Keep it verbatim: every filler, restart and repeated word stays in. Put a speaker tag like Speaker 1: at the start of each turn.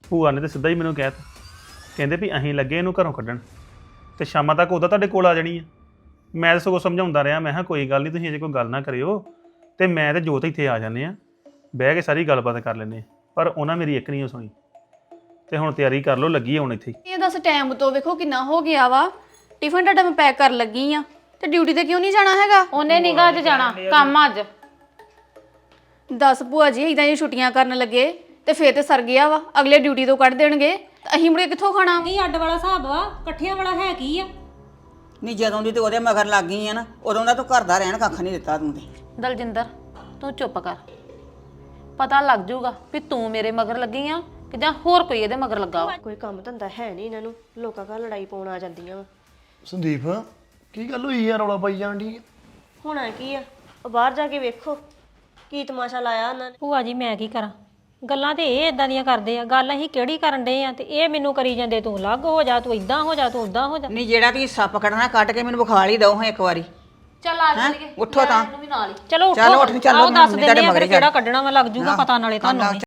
Speaker 1: ਭੂਆ ਨੇ ਤਾਂ ਸਿੱਧਾ ਹੀ ਮੈਨੂੰ ਕਹਿ ਤਾ ਕਹਿੰਦੇ ਵੀ ਅਸੀਂ ਲੱਗੇ ਇਹਨੂੰ ਘਰੋਂ ਕੱਢਣ ਤੇ ਸ਼ਾਮਾਂ ਤੱਕ ਉਹਦਾ ਤੁਹਾਡੇ ਕੋਲ ਆ ਜਾਣੀ ਆ। ਮੈਂ ਤਾਂ ਸਗੋਂ ਸਮਝਾਉਂਦਾ ਰਿਹਾ, ਮੈਂ ਕਿਹਾ ਕੋਈ ਗੱਲ ਨਹੀਂ ਤੁਸੀਂ ਅਜੇ ਕੋਈ ਗੱਲ ਨਾ ਕਰਿਓ ਤੇ ਮੈਂ ਤੇ ਜੋਤ ਇੱਥੇ ਆ ਜਾਂਦੇ ਆ, ਬਹਿ ਕੇ ਸਾਰੀ ਗੱਲਬਾਤ ਕਰ ਲੈਂਦੇ। ਪਰ ਉਹਨਾਂ ਮੇਰੀ ਇੱਕ ਨਹੀਂ ਸੁਣੀ ਤੇ ਹੁਣ ਤਿਆਰੀ ਕਰ ਲਓ, ਲੱਗੀ ਹੁਣ ਇੱਥੇ।
Speaker 2: ਇਹ ਦੱਸ ਟਾਈਮ ਤੋਂ ਵੇਖੋ ਕਿੰਨਾ ਹੋ ਗਿਆ ਵਾ। ਟਿਫਨ ਤੁਹਾਡਾ ਮੈਂ ਪੈਕ ਕਰਨ ਲੱਗੀ ਆ ਤੇ ਡਿਊਟੀ ਤੇ ਕਿਉਂ ਨਹੀਂ ਜਾਣਾ ਹੈਗਾ?
Speaker 3: ਉਹਨੇ ਨਿਗਾਹ 'ਚ ਜਾਣਾ ਕੰਮ ਆ ਅੱਜ।
Speaker 2: ਦਸ ਭੂਆ ਜੀ ਇਦਾਂ ਹੀ ਛੁੱਟੀਆਂ ਕਰਨ ਲੱਗੇ ਤੇ ਫੇਰ ਤੇ ਸਰ ਗਿਆ ਵਾ, ਅਗਲੇ ਡਿਊਟੀ ਤੋਂ ਕੱਢ ਦੇਣਗੇ ਤਾਂ ਅਸੀਂ ਮੁੜੇ ਕਿੱਥੋਂ ਖਾਣਾ?
Speaker 4: ਨਹੀਂ ਅੱਡ ਵਾਲਾ ਹਿਸਾਬ ਵਾ, ਇਕੱਠਿਆਂ ਵਾਲਾ ਹੈ ਕੀ ਆ?
Speaker 5: ਨਹੀਂ ਜਦੋਂ ਦੀ ਤੇ ਉਹਦੇ ਮਗਰ ਲੱਗ ਗਈ ਆ ਨਾ, ਉਦੋਂ ਦਾ ਤੂੰ ਘਰ ਦਾ ਰਹਿਣ ਕੱਖ ਨਹੀਂ ਦਿੱਤਾ ਤੂੰ ਤੇ।
Speaker 3: ਦਲਜਿੰਦਰ ਤੂੰ ਚੁੱਪ ਕਰ, ਪਤਾ ਲੱਗ ਜਾਊਗਾ ਵੀ ਤੂੰ ਮੇਰੇ ਮਗਰ ਲੱਗੀ ਆ ਕਿ ਜਾਂ ਹੋਰ ਕੋਈ ਇਹਦੇ ਮਗਰ ਲੱਗਾ ਵਾ।
Speaker 6: ਕੋਈ ਕੰਮ ਧੰਦਾ ਹੈ ਨਹੀਂ ਇਹਨਾਂ ਨੂੰ, ਲੋਕਾਂ ਘਰ ਲੜਾਈ ਪਾਉਣ ਆ ਜਾਂਦੀਆਂ ਵਾ।
Speaker 7: ਸੰਦੀਪ ਕੀ ਗੱਲ ਹੋਈ ਯਾਰ, ਰੌਲਾ ਪਾਈ ਜਾਣ ਦੀ?
Speaker 6: ਹੋਣਾ ਕੀ ਆ, ਉਹ ਬਾਹਰ ਜਾ ਕੇ ਵੇਖੋ ਕੀ ਤਮਾਸ਼ਾ ਲਾਇਆ ਉਹਨਾਂ ਨੇ।
Speaker 4: ਭੂਆ ਜੀ ਮੈਂ ਕੀ ਕਰਾਂ, ਗੱਲਾਂ ਤੇ ਇਹ ਇਦਾਂ ਦੀਆਂ ਕਰਦੇ ਆ, ਗੱਲ ਅਸੀਂ ਕਿਹੜੀ ਕਰਨ ਦੇ ਆ ਤੇ ਇਹ ਮੈਨੂੰ ਕਰੀ ਜਾਂਦੇ, ਤੂੰ ਅਲੱਗ ਹੋ ਜਾ, ਤੂੰ ਇਦਾਂ ਹੋ ਜਾ, ਤੂੰ ਉਦਾਂ ਹੋ ਜਾ।
Speaker 5: ਨਹੀਂ ਜਿਹੜਾ ਤੁਸੀਂ ਸੱਪ ਕੱਢਣਾ ਕੱਟ ਕੇ ਮੈਨੂੰ ਵਿਖਾ ਲਈ ਦਓ ਹਾਂ ਇੱਕ ਵਾਰੀ।
Speaker 3: ਚੱਲ ਆ ਚੱਲੀਏ,
Speaker 5: ਉੱਠੋ ਤਾਂ।
Speaker 3: ਇਹਨੂੰ ਵੀ ਨਾਲ ਹੀ।
Speaker 4: ਚਲੋ
Speaker 5: ਚੱਲ ਉੱਠ, ਚੱਲ
Speaker 4: ਆਓ ਦੱਸ
Speaker 5: ਮੰਮੀ
Speaker 4: ਦਿੰਦੇ
Speaker 5: ਤੁਹਾਡੇ
Speaker 4: ਆ
Speaker 5: ਮਗਰ
Speaker 4: ਫਿਰ ਕਿਹੜਾ ਕੱਢਣਾ ਵਾ, ਲੱਗ ਜੂਗਾ ਪਤਾ ਨਾਲੇ ਤੁਹਾਨੂੰ ਵੀ।